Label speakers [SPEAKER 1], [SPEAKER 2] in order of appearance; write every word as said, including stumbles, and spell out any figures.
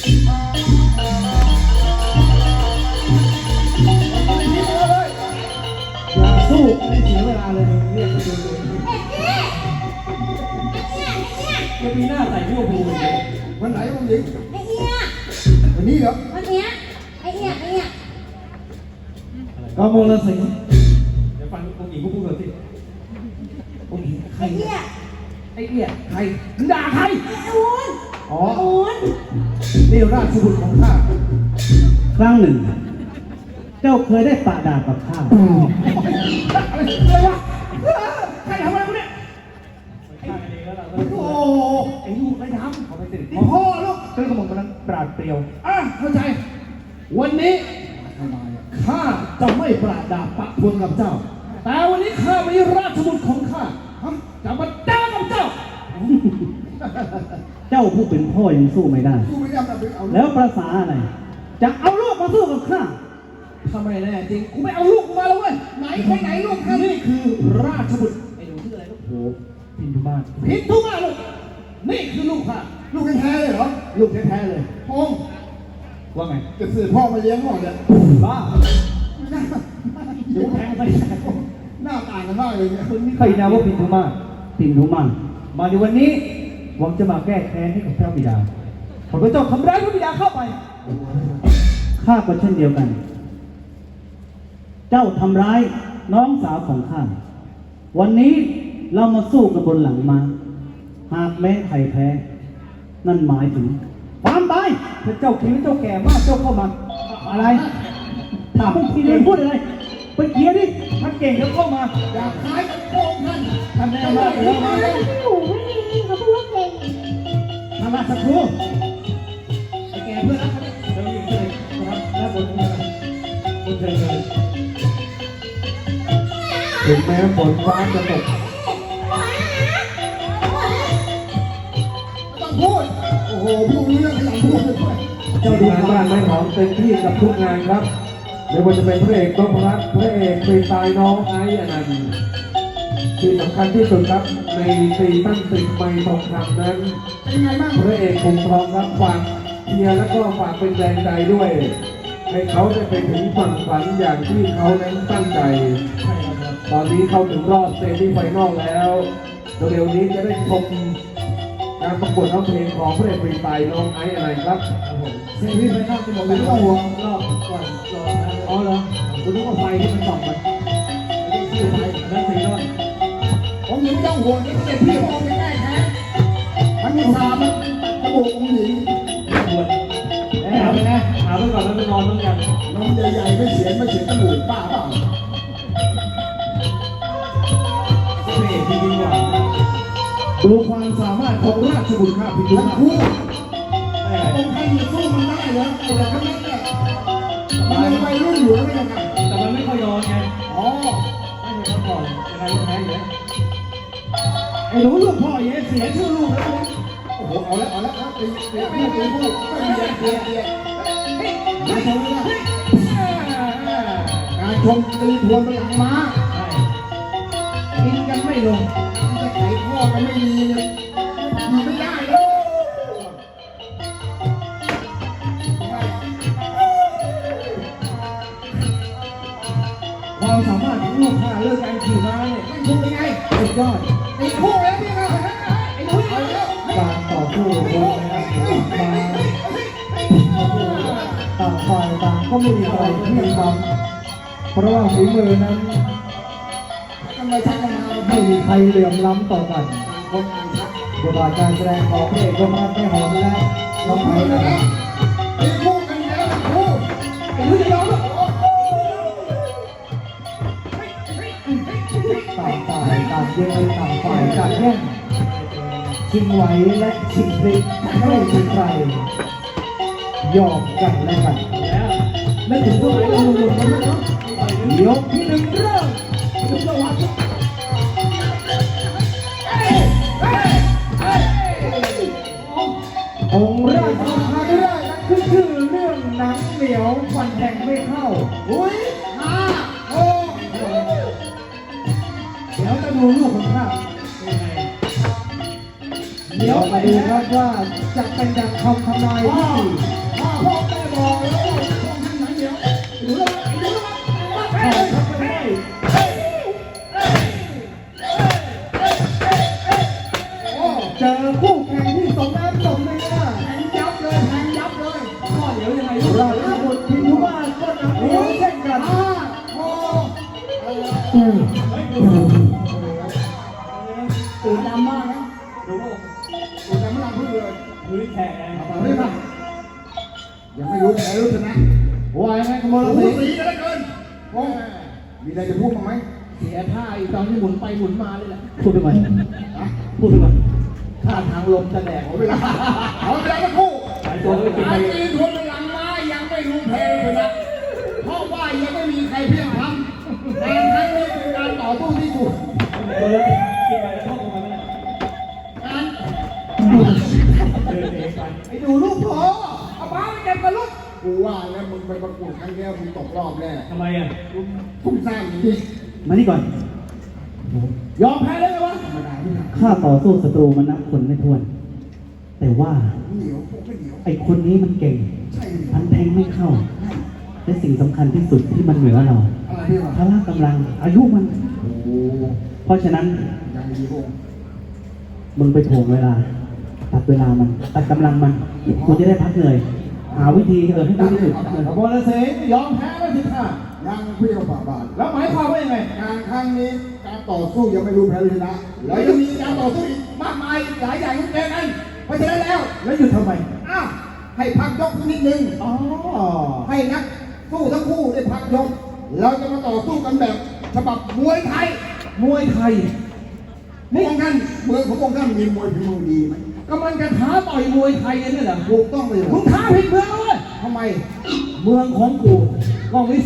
[SPEAKER 1] อย่าสู้ไม่เสียเวลาเลยเรียกไปดูจะมีหน้าใส่พวกกูวันไหนวันนี้ไอ้เอี้ยวันนี้เหรอวันเนี้ยไอ้เอี้ยไอ้เอี้ยกมลสิงห์เดี๋ยวฟังองค์หญิงพูดก่อนสิองค์หญิงใครไอ้เอี้ยไอ้เอี้ยใครมึงด่าใครไอ้อูนอ๋ออูนนี่ราชบุตรของข้าครั้งหนึ่งเจ้าเคยได้ปะดากับข้าอะไรวะใครทำอะไรกูเนี่ยโอ้ไอ้ลูกไอ้ทำเขาไปติดพ่อลูกเจ้ากระหม่อมกำลังปราดเปรียวอ่ะเข้าใจวันนี้ข้าจะไม่ปราดดาปะพวนกับเจ้าแต่วันนี้ข้ามีราชบุตรของข้าจะมาด่ากับเจ้าเจ้าผู้เป็นพ่อยังสู้ไม่ได้แล้วภาษาอะไรจะเอาลูกมาสู้กับข้าทำไมแน่จริงกูไม่เอาลูกมาแล้วเว้ยไหนใครไหนลูกข้านี่คือราชบุตรไอ้หนูชื่ออะไรลูกโหพินทุมาพินทุมาลูกนี่คือลูกข้าลูกแท้ๆเลยเหรอลูกแท้ๆเลยพงว่าไงจะสื่อพ่อมาเลี้ยงหรอเนี่ยบ้าเดี๋ยวแทงไปหน้าต่างกันมากเลยเนี่ยใครนะว่าพินทุมาพินทุมามาในวันนี้หวังจะมาแก้แค้นให้กับพระบิดาขอพระเจ้าทำร้ายพระบิดาเข้าไปข้าก็เช่นเดียวกันเจ้าทำร้ายน้องสาวของข้าวันนี้เรามาสู้กันบนหลังมาหากแม้ใครแพ้นั่นหมายถึงความตายถ้าเจ้าคิดว่าเจ้าแก่มากเจ้าเข้ามาอะไรถามพวกพี่เลี้ยงพูดอะไรไปเกียร์ดิท่านเก่งแล้วเข้ามาอยากขายกับโกงท่านท่านแน่มากเลยมาเลยอยู่ไม่ดีเขาพูดว่าเก่งทำมาสักครู่ไอ้แก่เพื่อนรักเขาเนี่ยเราอยู่เลยนะครับแล้วบนบนเชิงเลยถึงแม้ฝนฟ้าจะตกต้องพูดโอ้โหพูดเรื่องขยันพูดเลยเจ้าดูงานบ้านไม่หอมเต็มที่กับทุกงานครับไม่ว่าจะเป็นพระเอกนพรัตน์พระเอกฟรีสไตล์น้องไอซ์อนันต์ที่สำคัญที่สุดครับในซีซั่นสิบไมค์ทองคำนั้นพระเอกคงทองครับฝากเชียร์และก็ฝากเป็นแรงใจด้วยให้เขาได้ไปถึงฝั่งฝันอย่างที่เขานั้นตั้งใจตอนนี้เข้าถึงรอบเซมิไฟนอลแล้วเร็วนี้จะได้ชมการประกวดร้องเพลงของพระเอกฟรีสไตล์น้องไอซ์อะไรครับเซมิไฟนอลที่ผมไม่ต้องห่วงรอบก่อนรออ๋อเหรอคุณต้องเอาไฟที่มันส่องมันไม่ใช่ไฟนั่นสีนอลผมยังไม่ต้องห่วงนี่เด็กพี่ผมไม่ได้แท้มันมีสามกระบอกองค์หญิงปวดถามไปนะถามไปก่อนแล้วไปนอนต้องกันน้องใหญ่ๆไม่เสียไม่เสียกระดูกป้าเปล่าพระเอกจริงๆว่ะดูความสามารถของราชบุตรข้าพิทุทั้งคู่องค์ใครอยู่สู้มันได้เหรอแต่ละคนนั้นเนี่ยมันยังไปรุ่นอยู่แล้วยังไงแต่มันไม่ค่อยยอมไงอ๋อไม่ใช่เขาก่อนยังไงก็แพ้อยู่แล้วไอ้หนูลูกพ่อเย่เสียชื่อลูกแล้วโอ้โหเอาแล้วเอาแล้วครับตีตีพูดตีพูดก็เดียดเดียดเดียดการชมนะการชมตีทวนไปหลังม้ากินกันไม่ลงจะไขข้อกันไม่มีเลยอยู่ไม่ได้เลยความสามารถของลูกค้าเรื่องการขี่ม้าเนี่ยไม่ถูกยังไงสุดยอดไอ้คู่แล้วนี่นะไอ้หนุ่ยการต่อสู้บนนะครับมาต่างฝ่ายต่างก็ไม่มีใครที่ทำเพราะว่าฝีมือนั้นไม่มีใครเหลื่อมล้ำต่อกันบทบาทการแสดงของพระเอกนพรัตน์ไม่หอมและน้องไผ่นะครับไอ้คู่กันแล้วคู่ไอ้หนุ่ยจะยอมหรอต่างฝ่ายต่างเย่ต่างฝ่ายต่างแย่งชิงไหวและชิงพลิกไม่มีใครยอมกันและกันแล้วไม่ถึงตัวไหนเราหลุดกันแล้วยกที่หนึ่งเริ่มทุกจังหวะองค์ราชบุตรมาได้นั่นคือชื่อเรื่องหนังเหนียวฟันแทงไม่เข้าอุ้ยห้าโอ้เดี๋ยวจะดูลูกของข้าเดี๋ยวมาดูครับว่าจะเป็นดังคำทำนายที่พ่อพ่อได้บอกแล้วว่าต้องทำไหนเดี๋ยวดูแล้วดูแล้วครับไม่ได้เจอคู่แข่งที่สมน้ำสมเนื้อแข่งยับเลยแข่งยับเลยพ่อเดี๋ยวยังไงราชบุตรพิมพ์ว่าก็นำเลี้ยงเช่นกันพ่อตื่นดำมากนะดูว่าตื่นดำมากพึ่งเลยดูที่แข่งเอาไปมายังไม่รู้ใครรู้ชนะว่ายังไงขโมยสีสีกันแล้วเกินโอ้มีอะไรจะพูดบ้างไหมเสียท่าอีกตอนที่หมุนไปหมุนมาเลยแหละพูดไปก่อนพูดไปก่อนท่าทางลมจะแดกเอาเวลาเอาเวลาสักครู่หายตัวไม่เป็นไรตีทวนพลังมายังไม่รู้เพลงเลยนะเพราะว่ายังไม่มีใครเพียงทำแต่ครั้งนี้เป็นการต่อสู้ที่สุดกินไปแล้วเข้ามาไม่ได้การไอ้ดูลูกพอเอาบ้าไปเก็บกันลูกกูว่าแล้วมึงไปประกวดครั้งนี้มึงตกรอบแน่ทำไมอ่ะทุ่มสร้างอย่างนี้มานี่ก่อนยอมแพ้ได้ไหมวะธรรมดาที่ไหนข้าต่อสู้ศัตรูมันนับคนไม่ถ้วน แต่ว่าไอ้คนนี้มันเก่งพันแทงไม่เข้าและสิ่งสำคัญที่สุดที่มันเหนือเราพละกำลังอายุมันเพราะฉะนั้นมึงไปถ่วงเวลาตัดเวลามันตัดกำลังมันกูจะได้พักเหนื่อยหาวิธีเออให้ดีที่สุดบอลเสงยอมแพ้แล้วสิค่ะยังเพี้ยวฝ่าบาทแล้วหมายความว่ายังไงการครั้งนี้การต่อสู้ยังไม่รู้แพ้หรือชนะแล้วยังมีการต่อสู้อีกมากมายหลายอย่างที่เจอกันเพราะฉะนั้นแล้วแล้วหยุดทำไมอ้าวให้พักยกสักนิดนึงอ๋อให้นักสู้ทั้งคู่ได้พักยกเราจะมาต่อสู้กันแบบฉบับมวยไทยมวยไทยนี่ของท่านเมืองของพวกท่านมีมวยฝีมือดีไหมกำลังจะท้าต่อยมวยไทยกันนี่แหละถูกต้องเลยมึงท้าผิดเมืองเลยทำไมเมืองของกูก็วิ